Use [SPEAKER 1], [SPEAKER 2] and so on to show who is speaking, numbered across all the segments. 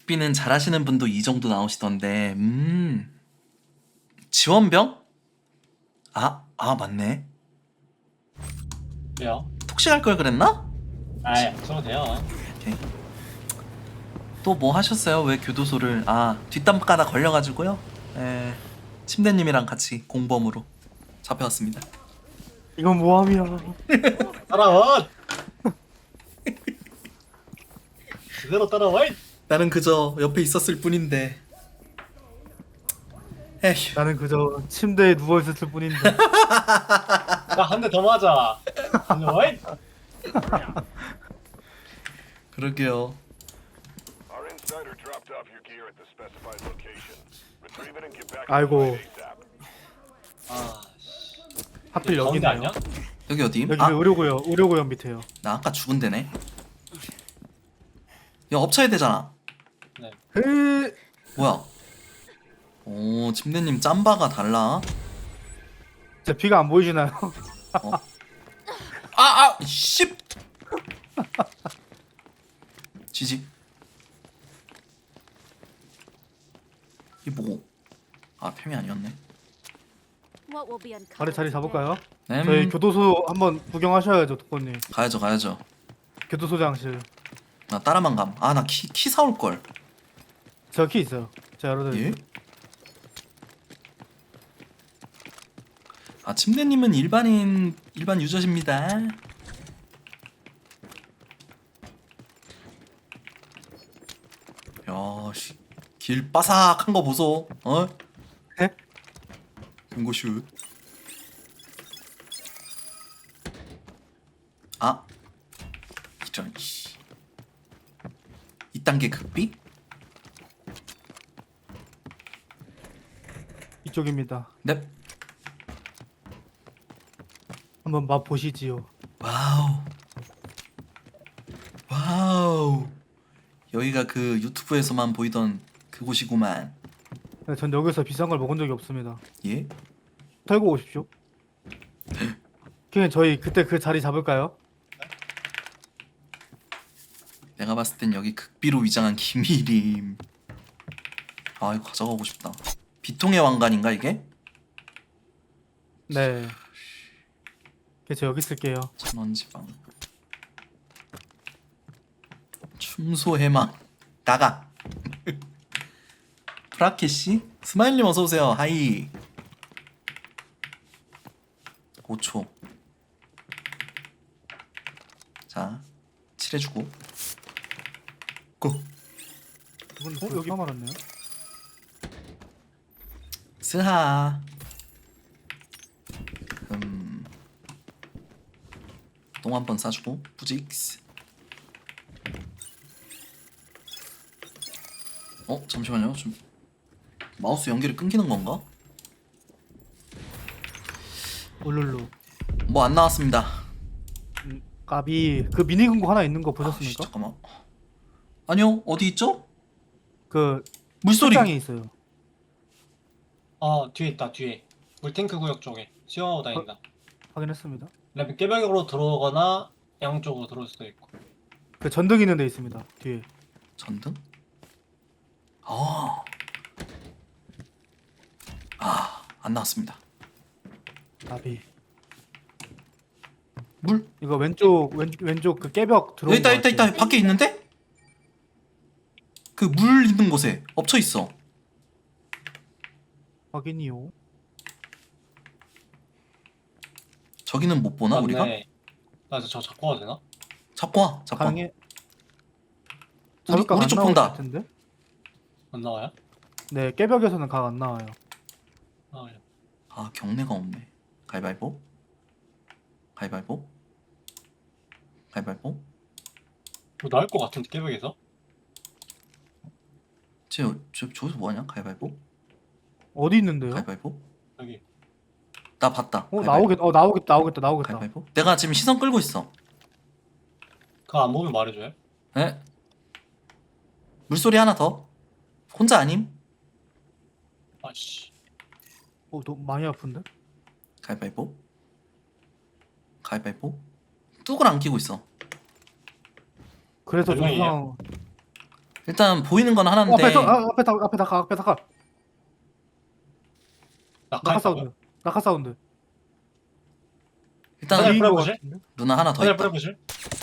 [SPEAKER 1] 빅비는 잘하시는 분도 이 정도 나오시던데. 지원병? 맞네.
[SPEAKER 2] 왜요?
[SPEAKER 1] 톡식할 걸 그랬나?
[SPEAKER 2] 아이, 안 써도 돼요.
[SPEAKER 1] 오케이. 또 뭐 하셨어요? 왜 교도소를 뒷담가다 걸려가지고요. 침대님이랑 같이 공범으로 잡혀왔습니다.
[SPEAKER 3] 이건 모함이야.
[SPEAKER 2] 따라와! 그대로 따라와!
[SPEAKER 1] 나는 그저 옆에 있었을 뿐인데. 에휴.
[SPEAKER 3] 나는 그저 침대에 누워 있었을 뿐인데.
[SPEAKER 2] 나 한 대 더 맞아! 따라와!
[SPEAKER 1] 그러게요.
[SPEAKER 4] Our insider dropped off your gear at the specified location. Retrieve it and get back to
[SPEAKER 3] 아이고.
[SPEAKER 4] the site ASAP.
[SPEAKER 2] 아,
[SPEAKER 3] 하필
[SPEAKER 2] 가운데
[SPEAKER 3] 여기네요.
[SPEAKER 2] 아니야?
[SPEAKER 1] 여기 어디?
[SPEAKER 3] 여기 의료구역 밑에요.
[SPEAKER 1] 나 아까 죽은 데네. 야, 엎쳐야 되잖아.
[SPEAKER 2] 네.
[SPEAKER 3] 헤.
[SPEAKER 1] 뭐야? 오, 침대님 짬바가 달라.
[SPEAKER 3] 제 피가 안 보이시나요?
[SPEAKER 1] 씨. 지지. 이 뭐고? 팸이 아니었네.
[SPEAKER 5] What will be uncovered
[SPEAKER 3] 아래 자리 잡을까요?
[SPEAKER 1] 네.
[SPEAKER 3] 저희 교도소 한번 구경하셔야죠, 독고님.
[SPEAKER 1] 가야죠.
[SPEAKER 3] 교도소장실.
[SPEAKER 1] 나 따라만 감. 나 키 사올 걸.
[SPEAKER 3] 제가 키 있어요. 제가 열어드릴게요.
[SPEAKER 1] 예? 침대님은 일반 유저십니다. 야, 씨. 길 바삭한 거 보소.
[SPEAKER 3] 에?
[SPEAKER 1] 금고슛. 이런 씨. 2단계 극비?
[SPEAKER 3] 이쪽입니다.
[SPEAKER 1] 넵.
[SPEAKER 3] 한번 맛 보시지요.
[SPEAKER 1] 와우. 여기가 그 유튜브에서만 보이던 그곳이구만.
[SPEAKER 3] 네, 전 여기서 비싼 걸 먹은 적이 없습니다.
[SPEAKER 1] 예?
[SPEAKER 3] 털고 오십시오. 그냥 저희 그때 그 자리 잡을까요?
[SPEAKER 1] 내가 봤을 땐 여기 극비로 위장한 기밀임. 이거 가져가고 싶다. 비통의 왕관인가 이게?
[SPEAKER 3] 네. 저 여기 쓸게요.
[SPEAKER 1] 천원지방. 충소해망. 나가. 프라켓씨? 스마일님 어서오세요. 하이. 5초. 자, 칠해주고. 고.
[SPEAKER 3] 여기 화 말았네요.
[SPEAKER 1] 스하. 똥 한 번 싸주고 뿌직스. 잠시만요. 좀 마우스 연결이 끊기는 건가?
[SPEAKER 3] 울룰루.
[SPEAKER 1] 뭐 안 나왔습니다.
[SPEAKER 3] 까비 그 미니 금고 하나 있는 거
[SPEAKER 1] 씨,
[SPEAKER 3] 보셨습니까?
[SPEAKER 1] 잠깐만. 아니요, 어디 있죠?
[SPEAKER 3] 그
[SPEAKER 1] 물소리.
[SPEAKER 3] 책장에 있어요.
[SPEAKER 2] 뒤에 있다, 뒤에. 물탱크 구역 쪽에. 수영하고 다닌다.
[SPEAKER 3] 확인했습니다.
[SPEAKER 2] 그다음에 깨벽으로 들어오거나 양쪽으로 들어올 수도 있고.
[SPEAKER 3] 그 전등 있는 데 있습니다. 뒤에.
[SPEAKER 1] 전등? 안 나왔습니다.
[SPEAKER 3] 까비.
[SPEAKER 1] 물?
[SPEAKER 3] 이거 왼쪽 그 깨벽 들어온
[SPEAKER 1] 여기 있다,
[SPEAKER 3] 거 같아요.
[SPEAKER 1] 밖에 있는데? 그 물 있는 곳에 엎쳐 있어.
[SPEAKER 3] 확인이요.
[SPEAKER 1] 저기는 못 보나 우리가?
[SPEAKER 2] 맞네. 나 저 잡고 가도 되나?
[SPEAKER 1] 잡고 와.
[SPEAKER 3] 가능해.
[SPEAKER 1] 우리 쪽 본다.
[SPEAKER 3] 같은데?
[SPEAKER 2] 안 나와요?
[SPEAKER 3] 네, 깨벽에서는 각 안 나와요.
[SPEAKER 2] 나와요.
[SPEAKER 1] 경례가 없네. 가위바위보. 가위바위보. 가위바위보.
[SPEAKER 2] 뭐 나올 것 같은데 깨벽에서?
[SPEAKER 1] 저기서 뭐하냐? 가위바위보.
[SPEAKER 3] 어디 있는데요?
[SPEAKER 1] 가위바위보.
[SPEAKER 2] 여기.
[SPEAKER 1] 나 봤다.
[SPEAKER 3] 나오겠다.
[SPEAKER 1] 가위바위보. 내가 지금 시선 끌고 있어.
[SPEAKER 2] 그거 안 보면 말해줘요?
[SPEAKER 1] 에? 물소리 하나 더. 혼자 아님?
[SPEAKER 2] 아씨.
[SPEAKER 3] 너 많이 아픈데?
[SPEAKER 1] 가위바위보. 가위바위보. 뚝을 안 끼고 있어.
[SPEAKER 3] 그래서 좀
[SPEAKER 2] 얼마예요?
[SPEAKER 3] 이상
[SPEAKER 1] 일단 보이는 건 하나인데
[SPEAKER 3] 앞에 다가
[SPEAKER 2] 낙하
[SPEAKER 3] 낙하
[SPEAKER 2] 있다고요?
[SPEAKER 3] 사운드 낙하 사운드
[SPEAKER 1] 일단
[SPEAKER 2] 하늘
[SPEAKER 3] B인 것
[SPEAKER 2] 뿌려보실?
[SPEAKER 3] 같은데?
[SPEAKER 1] 누나 하나 더
[SPEAKER 2] 하늘
[SPEAKER 1] 있다.
[SPEAKER 2] 뿌려보실?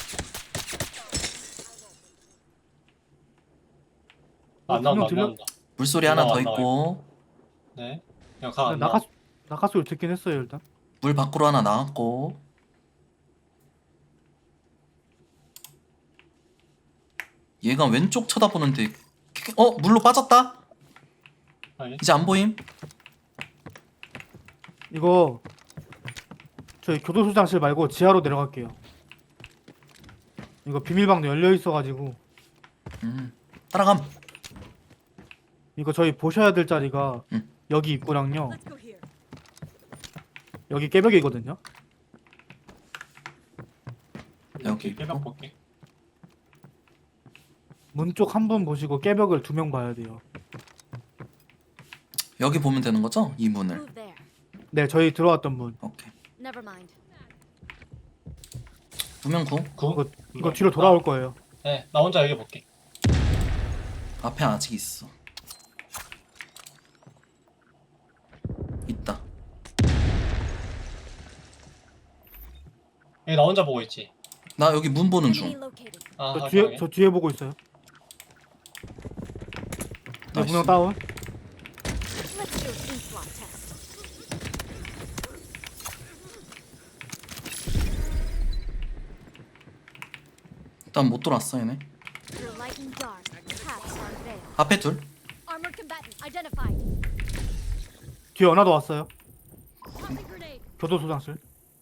[SPEAKER 2] 안 나온다 안
[SPEAKER 3] 들려?
[SPEAKER 2] 나온다.
[SPEAKER 1] 물소리 하나 더
[SPEAKER 2] 나와,
[SPEAKER 1] 있고
[SPEAKER 2] 네. 그냥 가안 나와.
[SPEAKER 3] 낙하 소리 듣긴 했어요 일단.
[SPEAKER 1] 물 밖으로 하나 나왔고 얘가 왼쪽 쳐다보는데 물로 빠졌다?
[SPEAKER 2] 아니,
[SPEAKER 1] 이제 안 보임?
[SPEAKER 3] 이거 저희 교도소장실 말고 지하로 내려갈게요. 이거 비밀방도 열려 있어가지고
[SPEAKER 1] 따라감.
[SPEAKER 3] 이거 저희 보셔야 될 자리가
[SPEAKER 1] 응.
[SPEAKER 3] 여기 입구랑요. 여기 깨벽이거든요.
[SPEAKER 1] 여기
[SPEAKER 2] 깨벽
[SPEAKER 1] 있고
[SPEAKER 2] 볼게.
[SPEAKER 3] 문 쪽 한 분 보시고 깨벽을 2명 봐야 돼요.
[SPEAKER 1] 여기 보면 되는 거죠? 이 문을.
[SPEAKER 5] Move there.
[SPEAKER 3] 네, 저희 들어왔던 문.
[SPEAKER 1] 오케이.
[SPEAKER 5] Never mind.
[SPEAKER 1] 두명 구.
[SPEAKER 3] 이거 뒤로 돌아올 거예요.
[SPEAKER 2] 네, 나 혼자 여기 볼게.
[SPEAKER 1] 앞에 아직 있어. 있다.
[SPEAKER 2] 여기 나 혼자 보고 있지.
[SPEAKER 1] 나 여기 문 보는
[SPEAKER 5] Enemy
[SPEAKER 1] 중.
[SPEAKER 5] located.
[SPEAKER 2] 아,
[SPEAKER 3] 저 뒤에 보고 있어요. 네,
[SPEAKER 1] 나이스.
[SPEAKER 3] 분명 다운.
[SPEAKER 5] Let's do an inflot test.
[SPEAKER 1] 일단 못 돌았어 얘네.
[SPEAKER 5] Through light and dark, paths are veiled.
[SPEAKER 1] 앞에 둘.
[SPEAKER 5] Armored combatant identified.
[SPEAKER 3] 뒤에 하나 더 왔어요.
[SPEAKER 5] Tossing grenade.
[SPEAKER 3] 교도소장실.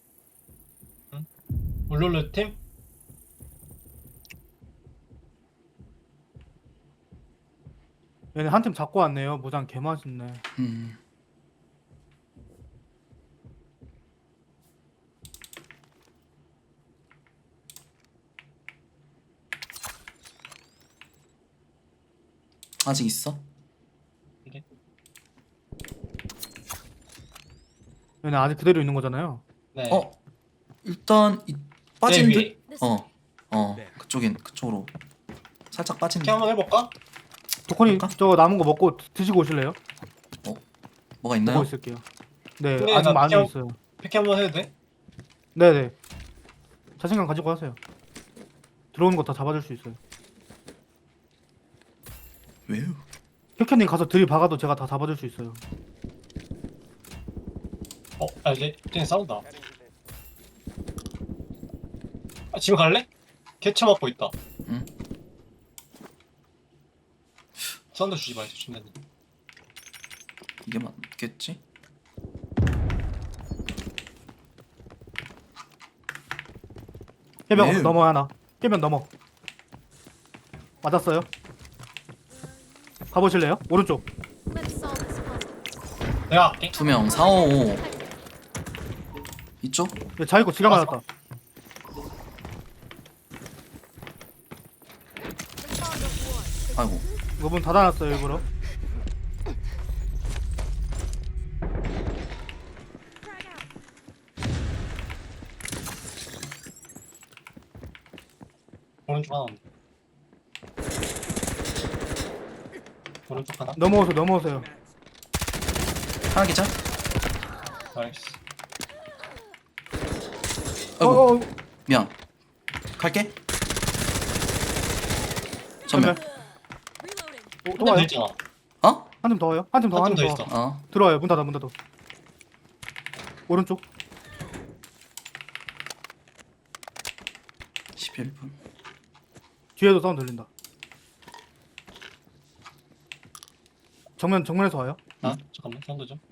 [SPEAKER 2] 울룰루 팀?
[SPEAKER 3] 얘네 한 팀 잡고 왔네요. 모장 개 맛있네.
[SPEAKER 1] 아직 있어?
[SPEAKER 3] 얘네 아직 그대로 있는 거잖아요.
[SPEAKER 2] 네.
[SPEAKER 1] 일단 빠진
[SPEAKER 2] 네,
[SPEAKER 1] 듯.
[SPEAKER 2] 위에.
[SPEAKER 1] 그쪽으로 살짝 빠진
[SPEAKER 2] 이렇게
[SPEAKER 1] 듯.
[SPEAKER 2] 한번 해볼까?
[SPEAKER 3] 도코니
[SPEAKER 1] 볼까?
[SPEAKER 3] 저거 남은 거 먹고 드시고 오실래요?
[SPEAKER 1] 뭐가 있나요?
[SPEAKER 3] 보고 있을게요. 네,
[SPEAKER 2] 근데
[SPEAKER 3] 아직
[SPEAKER 2] 나
[SPEAKER 3] 많이
[SPEAKER 2] 피하고-
[SPEAKER 3] 있어요.
[SPEAKER 2] 픽 한번 해도 돼?
[SPEAKER 3] 네네. 자신감 가지고 하세요. 들어오는 거 다 잡아줄 수 있어요.
[SPEAKER 1] 왜요?
[SPEAKER 3] 혁현님 가서 들이박아도 제가 다 잡아줄 수 있어요.
[SPEAKER 2] 이제 싸운다. 지금 갈래? 개쳐 맞고 있다.
[SPEAKER 1] 응.
[SPEAKER 2] 사운드 주지 말자, 준비님.
[SPEAKER 1] 이게 맞겠지?
[SPEAKER 3] 깨벽
[SPEAKER 1] 네.
[SPEAKER 3] 넘어 하나. 깨벽 넘어. 맞았어요. 가보실래요? 오른쪽.
[SPEAKER 5] Let's solve this puzzle.
[SPEAKER 2] 내가 할게.
[SPEAKER 1] 2명 4, 5, 5 이쪽?
[SPEAKER 3] 네, 자이고 지가 맞았다.
[SPEAKER 5] The fog of war.
[SPEAKER 1] 아이고
[SPEAKER 3] 이거 문 닫아놨어요 일부러.
[SPEAKER 5] Frag out.
[SPEAKER 2] 오른쪽 하나 온다. 오른쪽 하나?
[SPEAKER 3] 넘어오세요.
[SPEAKER 1] 하나 기자?
[SPEAKER 2] 나이스.
[SPEAKER 1] 아이고 미안 갈게 전멸
[SPEAKER 5] Reloading.
[SPEAKER 3] 또 와요.
[SPEAKER 2] 한대 있잖아.
[SPEAKER 1] 어?
[SPEAKER 3] 한 팀 더 와요. 한 팀 더.
[SPEAKER 2] 한
[SPEAKER 3] 한
[SPEAKER 2] 팀
[SPEAKER 3] 팀
[SPEAKER 2] 더
[SPEAKER 3] 더.
[SPEAKER 2] 있어.
[SPEAKER 1] 어
[SPEAKER 3] 들어와요. 문 닫아. 오른쪽.
[SPEAKER 1] 11분
[SPEAKER 3] 뒤에도 사운드 들린다. 정면에서 와요.
[SPEAKER 2] 아, 잠깐만, 사운드 좀.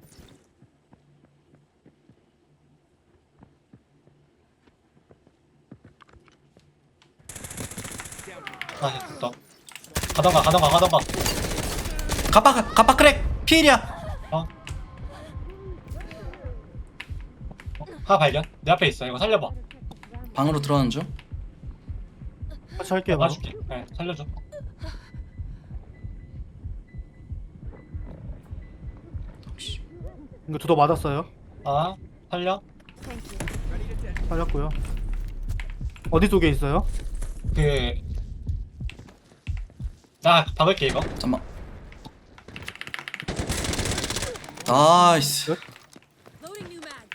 [SPEAKER 2] 됐다. 가던가.
[SPEAKER 1] 가빠 크랙 피일이야
[SPEAKER 2] 하나 발견. 내 앞에 있어. 이거 살려봐.
[SPEAKER 1] 방으로 들어가는 중
[SPEAKER 3] 같이 할게요. 바로.
[SPEAKER 2] 봐줄게. 네, 살려줘.
[SPEAKER 3] 이거 두더 맞았어요.
[SPEAKER 2] 아, 살려.
[SPEAKER 5] Thank you.
[SPEAKER 3] 맞았고요. 어디 쪽에 있어요?
[SPEAKER 2] 그 자 박을게 이거.
[SPEAKER 1] 잠만. 나이스.
[SPEAKER 5] Loading new mag.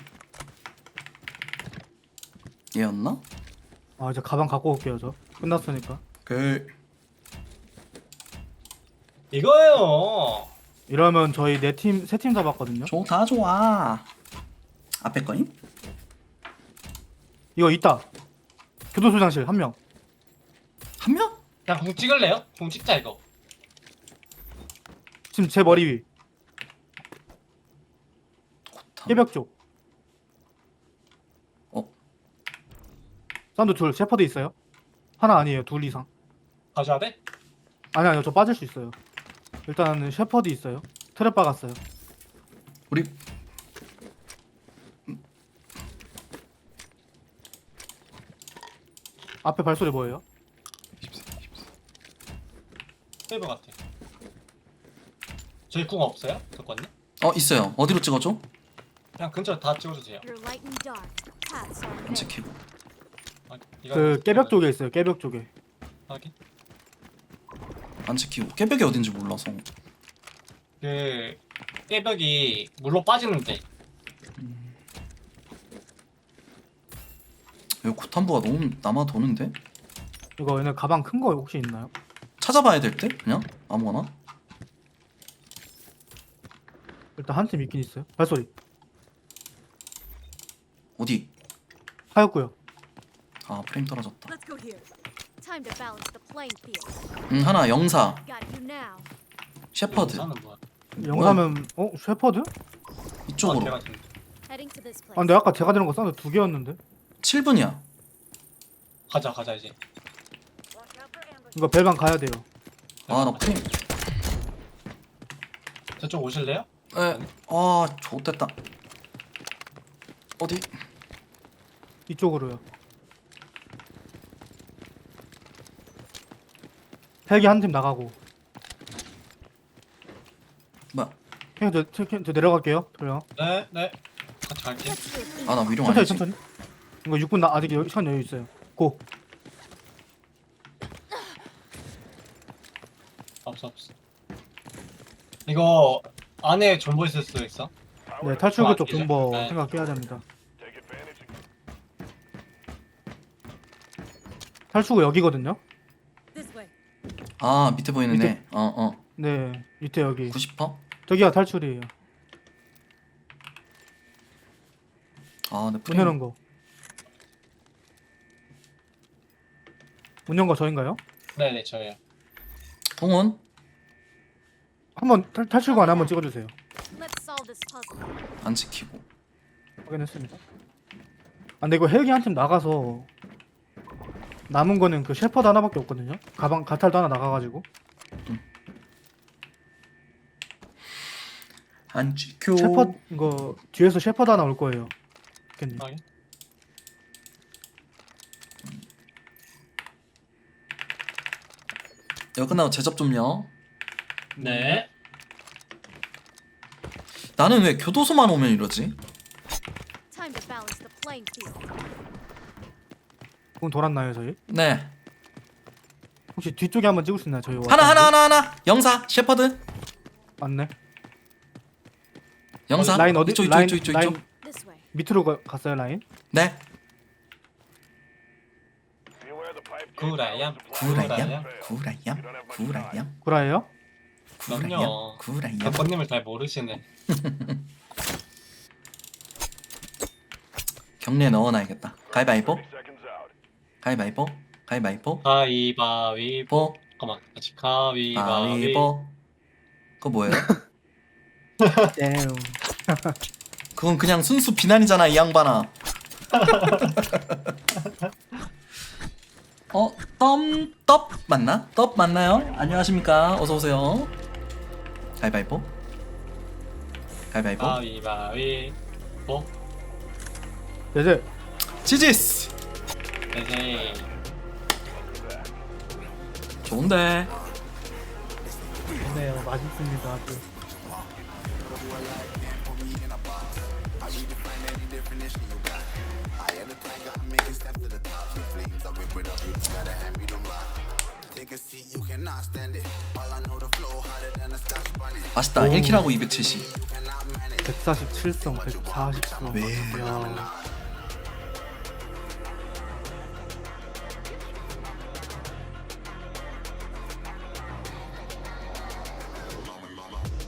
[SPEAKER 1] 얘였나?
[SPEAKER 3] 아 이제 가방 갖고 올게요 저. 끝났으니까.
[SPEAKER 1] 그
[SPEAKER 2] 이거예요.
[SPEAKER 3] 이러면 저희 세 팀 잡았거든요.
[SPEAKER 1] 좋다 좋아. 앞에 거임?
[SPEAKER 3] 이거 있다. 교도소장실 한 명.
[SPEAKER 1] 한 명?
[SPEAKER 2] 그냥 공 찍을래요? 공 찍자 이거.
[SPEAKER 3] 지금 제 머리 위.
[SPEAKER 1] 고타.
[SPEAKER 3] 깨벽 쪽.
[SPEAKER 1] 어?
[SPEAKER 3] 사운드 둘. 셰퍼드 있어요? 하나 아니에요. 둘 이상.
[SPEAKER 2] 가져야 돼?
[SPEAKER 3] 아니요 저 빠질 수 있어요. 일단은 셰퍼드 있어요. 트랩 박았어요.
[SPEAKER 1] 우리
[SPEAKER 3] 앞에 발소리 뭐예요?
[SPEAKER 2] 세이브 같아. 저희 궁 없어요? 덕권님?
[SPEAKER 1] 있어요. 어디로 찍어줘?
[SPEAKER 2] 그냥 근처 다 찍어주세요.
[SPEAKER 5] You're light and dark. Paths are
[SPEAKER 1] 안
[SPEAKER 5] vague.
[SPEAKER 1] 찍히고.
[SPEAKER 2] 아,
[SPEAKER 3] 그 깨벽 쪽에 있어요. 깨벽 쪽에.
[SPEAKER 2] 확인.
[SPEAKER 1] 안 찍히고. 깨벽이 어딘지 몰라서.
[SPEAKER 2] 그 깨벽이 물로 빠지는데
[SPEAKER 1] 여기 고탄부가 너무 남아 도는데?
[SPEAKER 3] 이거 얘네 가방 큰 거 혹시 있나요?
[SPEAKER 1] 찾아봐야 될 때? 그냥 아무거나.
[SPEAKER 3] 일단 한 팀 있긴 있어요. 발소리.
[SPEAKER 1] 어디?
[SPEAKER 3] 하였고요.
[SPEAKER 1] 아 프레임 떨어졌다.
[SPEAKER 5] Let's go here. Time to balance the playing field.
[SPEAKER 1] 하나 영사.
[SPEAKER 5] Got you now.
[SPEAKER 1] 셰퍼드.
[SPEAKER 2] 사는 뭐야?
[SPEAKER 3] 영사면 셰퍼드?
[SPEAKER 1] 이쪽으로.
[SPEAKER 2] 걔가 지금
[SPEAKER 5] Heading to this place.
[SPEAKER 3] 아 근데 아까 제가 들은 거 사운드 두 개였는데.
[SPEAKER 1] 7분이야.
[SPEAKER 2] 가자 이제.
[SPEAKER 3] 이거 벨방 가야 돼요.
[SPEAKER 1] 아 나 프레임.
[SPEAKER 2] 저쪽 오실래요?
[SPEAKER 1] 에. 아 좋댔다. 어디?
[SPEAKER 3] 이쪽으로요. 헬기 한 팀 나가고.
[SPEAKER 1] 뭐야?
[SPEAKER 3] 형 저 내려갈게요. 돌려.
[SPEAKER 2] 네. 같이 갈게.
[SPEAKER 5] Let's do it.
[SPEAKER 1] 아 나 위령
[SPEAKER 3] 천천히
[SPEAKER 1] 아니지?
[SPEAKER 3] 천천히. 이거 6분 아직 시간 여유 있어요. 고.
[SPEAKER 2] 없어. 이거 안에 존버 있을 수도 있어.
[SPEAKER 3] 네 탈출구 쪽
[SPEAKER 2] 이제.
[SPEAKER 3] 존버
[SPEAKER 2] 네.
[SPEAKER 3] 생각해야 됩니다.
[SPEAKER 4] Take advantage.
[SPEAKER 3] 탈출구 여기거든요.
[SPEAKER 5] This way.
[SPEAKER 1] 아 밑에 보이는
[SPEAKER 3] 밑에?
[SPEAKER 1] 애.
[SPEAKER 3] 네 밑에 여기.
[SPEAKER 1] 90퍼?
[SPEAKER 3] 저기가 탈출이에요.
[SPEAKER 1] 아내
[SPEAKER 3] 문
[SPEAKER 1] 프레임.
[SPEAKER 3] 여는 거. 문 연 거 저인가요?
[SPEAKER 2] 네네 저예요.
[SPEAKER 1] 동원?
[SPEAKER 3] 한번 탈출구 안에 한번 찍어주세요.
[SPEAKER 5] Let's solve this puzzle.
[SPEAKER 1] 안 찍히고.
[SPEAKER 3] 확인했습니다. 아 근데 이거 헬기 한 팀 나가서 남은 거는 그 셰퍼드 하나밖에 없거든요. 가방 가탈도 하나 나가가지고.
[SPEAKER 1] 안 찍혀.
[SPEAKER 3] 셰퍼드 이거 뒤에서 셰퍼드 하나 올 거예요. 겠님.
[SPEAKER 2] 확인.
[SPEAKER 1] 이거 끝나고 제접 좀요.
[SPEAKER 2] 네.
[SPEAKER 1] 나는 왜 교도소만 오면 이러지?
[SPEAKER 5] Time to balance the playing field.
[SPEAKER 3] 공 돌았나요 저희?
[SPEAKER 1] 네.
[SPEAKER 3] 혹시 뒤쪽에 한번 찍을 수 있나요 저희?
[SPEAKER 1] 하나. 영사 셰퍼드.
[SPEAKER 3] 맞네.
[SPEAKER 1] 영사.
[SPEAKER 3] 라인 어디?
[SPEAKER 1] 이쪽.
[SPEAKER 3] 라인
[SPEAKER 5] This way.
[SPEAKER 3] 밑으로 갔어요 라인.
[SPEAKER 1] 네.
[SPEAKER 4] Beware the pipe
[SPEAKER 2] 구라야.
[SPEAKER 1] 구라얌.
[SPEAKER 3] 구라예요?
[SPEAKER 2] 그럼요.
[SPEAKER 1] 구라얌.
[SPEAKER 2] 덕권님을 잘 모르시네.
[SPEAKER 1] 경례 넣어놔야겠다. 가위바위보.
[SPEAKER 4] 30 seconds out.
[SPEAKER 1] 가위바위보. 가위바위보.
[SPEAKER 2] 가위바위보.
[SPEAKER 1] 보.
[SPEAKER 2] 잠깐만. 같이 가위바위보.
[SPEAKER 1] 가위보. 그거 뭐예요?
[SPEAKER 3] damn.
[SPEAKER 1] 그건 그냥 순수 비난이잖아 이 양반아. 떡 맞나? 떡 맞나요? 안녕하십니까? 어서 오세요. 가위바위보. 가위바위보.
[SPEAKER 2] 가위바위보.
[SPEAKER 3] 네네.
[SPEAKER 1] 지지스.
[SPEAKER 2] 네네.
[SPEAKER 1] 좋은데.
[SPEAKER 3] 좋네요. 맛있습니다. 아주.
[SPEAKER 1] 맛있다. 1킬하고 270.
[SPEAKER 3] 147성 140성.
[SPEAKER 1] 왜?
[SPEAKER 3] 야.